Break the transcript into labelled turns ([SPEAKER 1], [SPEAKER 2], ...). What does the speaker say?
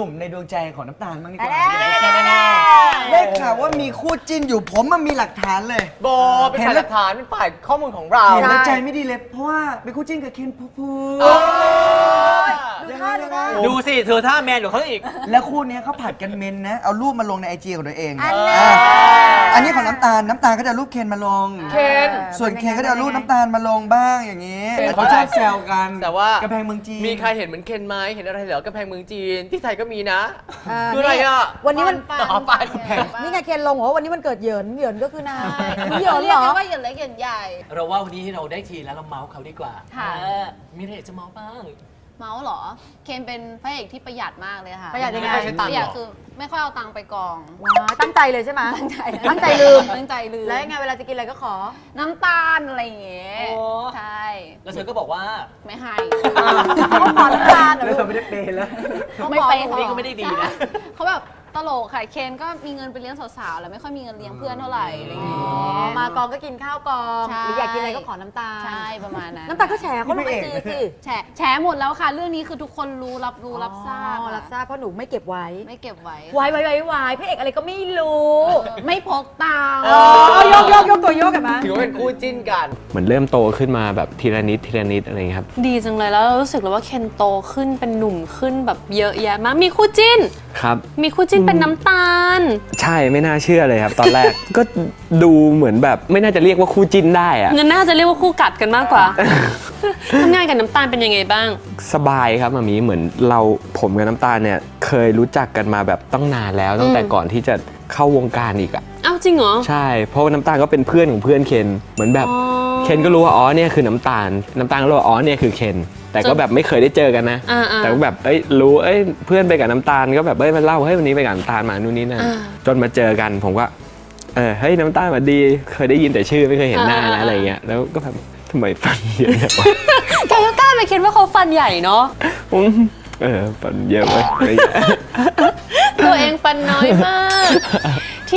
[SPEAKER 1] นุ่มในดวงใจของน้ำตาลบ้างดีกว่าได้ข่าวว่ามีคู่จิ้นอยู่ผมมันมีหลักฐานเลย
[SPEAKER 2] โบเป็นฝ่ายหลักฐานเป็นฝ่ายข้อมูลของเรา
[SPEAKER 1] เห็นแล้วใจไม่ดีเลยเพราะว่าเป็นคู่จิ้นกับเคนภูมิภูมิ
[SPEAKER 3] ดูสิเธอท่าแมนกว่าเขาอีก
[SPEAKER 1] แล้วคู่นี้เขาผัดกันเมนนะเอารูปมาลงในไอจีของตัวเองอันนี้ของน้ำตาลก็จะรูปเคนมาลง
[SPEAKER 2] เคน
[SPEAKER 1] ส่วนเคนก็จะเอารูปน้ำตาลมาลงบ้างอย่างนี้เขาชอบแซวกัน
[SPEAKER 2] แต่ว่าก
[SPEAKER 1] ระแพงเมืองจีน
[SPEAKER 2] มีใครเห็นเหมือนเคนไหมเห็นอะไรเหรอกระแพงเมืองจีนที่ไทยก็มีนะคืออะไรอ่ะ
[SPEAKER 4] วันนี้มัน
[SPEAKER 2] ต่อไป
[SPEAKER 4] นี่ไงเคนลงเหรอวันนี้มันเกิดเหยินก็คือนายเหยิน
[SPEAKER 5] เรี
[SPEAKER 4] เห
[SPEAKER 5] ย
[SPEAKER 4] ร
[SPEAKER 5] ก
[SPEAKER 4] อ
[SPEAKER 5] กันว่าเหยินเล็กเหยินใหญ่
[SPEAKER 3] เราว่าวันนี้เราได้ทีแล้วเราเมาส์เขาดีกว่า
[SPEAKER 5] ค่ะ
[SPEAKER 3] มีอะไรจะเมาส์บ้าง
[SPEAKER 5] เมาส์เหรอ เคนเป็นพระเอกที่ประหยัดมากเลยค่ะ
[SPEAKER 4] ประหยัดยังไง
[SPEAKER 5] ประหยัดคือไม่ค่อยเอาตังค์ไปกอง
[SPEAKER 4] ตั้งใจเลยใช่ไหม
[SPEAKER 5] ตั้งใจ
[SPEAKER 4] ตั้งใจลืม
[SPEAKER 5] ตั้งใจลืม
[SPEAKER 4] แล้วยังไงเวลาจะกินอะไรก็ขอ
[SPEAKER 5] น้ำตาลอะไรอย่างเงี้ย
[SPEAKER 3] โอ้
[SPEAKER 5] ใช่
[SPEAKER 3] แล้วเธอก็บอกว่า
[SPEAKER 5] ไม่ให้
[SPEAKER 4] เขาขอน้ำตาลเหรอ
[SPEAKER 1] แล้ว
[SPEAKER 4] ลู
[SPEAKER 1] เรา
[SPEAKER 4] ก
[SPEAKER 1] ไม่ได้เปย์แล้ว
[SPEAKER 5] ไม่ไป
[SPEAKER 3] นี่ก็ไม่ได้ดีนะ
[SPEAKER 5] เขาแบบตลกค่ะเคนก็มีเงินไปเลี้ยงสาวๆแล้วไม่ค่อยมีเงินเลี้ยงเพื่อนเท่าไหร่อะไรอย่างเงี้ย
[SPEAKER 4] มากองก็กินข้าวกอง
[SPEAKER 5] ใช่
[SPEAKER 4] หรืออยากกินอะไรก็ขอน้ำตาล
[SPEAKER 5] ใช่ประมาณนั้น
[SPEAKER 4] น้ำตาลก็แฉเขาลงไอจีสิ
[SPEAKER 5] แฉหมดแล้วค่ะ เรื่องนี้คือทุกคนรับทราบ
[SPEAKER 4] อ๋อรับทราบเพราะหนูไม่เก็บไว้
[SPEAKER 5] ไม่เก็บไว้
[SPEAKER 4] ไว้พระเอกอะไรก็ไม่รู้
[SPEAKER 5] ไม่พกตังค์
[SPEAKER 4] ยกตัวโยกกันมา
[SPEAKER 2] ถือว่าเป็นคู่จิ้นกัน
[SPEAKER 6] เหมือนเริ่มโตขึ้นมาแบบทีละนิดอะไรอย่างเงี้ยครับ
[SPEAKER 7] ดีจังเลยแล้วเรารู้สึกเลยว่าเคนโตขึ้นเป็นหนุ่มขึ้นแบบเยอะแยะมากมีคู่จิ้น
[SPEAKER 6] ครับ
[SPEAKER 7] มีคู่จิ้นเป็นน้ำตาล
[SPEAKER 6] ใช่ไม่น่าเชื่อเลยครับ ตอนแรก ก็ดูเหมือนแบบไม่น่าจะเรียกว่าคู่จิ้นได้อะ
[SPEAKER 7] เงินน่าจะเรียกว่าคู่กัดกันมากกว่า ทำงานกับน้ำตาลเป็นยังไงบ้าง
[SPEAKER 6] สบายครับมามีเหมือนผมกับน้ำตาลเนี่ยเคยรู้จักกันมาแบบตั้งนานแล้วตั้งแต่ก่อนที่จะเข้าวงการอีกอะ
[SPEAKER 7] อ้าวจริงเหรอ
[SPEAKER 6] ใช่เพราะว่าน้ำตาลก็เป็นเพื่อนของเพื่อนเคนเหมือนแบบ
[SPEAKER 7] อ๋อ
[SPEAKER 6] เคนก็รู้ว่าอ๋อเนี่ยคือน้ำตาลก็รู้ว่าอ๋อเนี่ยคือเคนแต่ก็แบบไม่เคยได้เจอกันนะ
[SPEAKER 7] อ่าๆ
[SPEAKER 6] แต่ก็แบบรู้เพื่อนไปกับน้ำตาลก็แบบมาเล่าวันนี้ไปกับน้ำตาลมานู่นนี่นั่น
[SPEAKER 7] อ่า
[SPEAKER 6] จนมาเจอกันผมก็เฮ้ยน้ำตาลมาดีเคยได้ยินแต่ชื่อไม่เคยเห็นหน้านะอะไรเงี้ยแล้วก็แบบทำไมฟันเยอะจังวะ
[SPEAKER 7] แกก็กล้าไปคิดว่าเขาฟันใหญ่เนาะ
[SPEAKER 6] ฟันเยอะไป
[SPEAKER 7] ตัวเองฟันน้อยมาก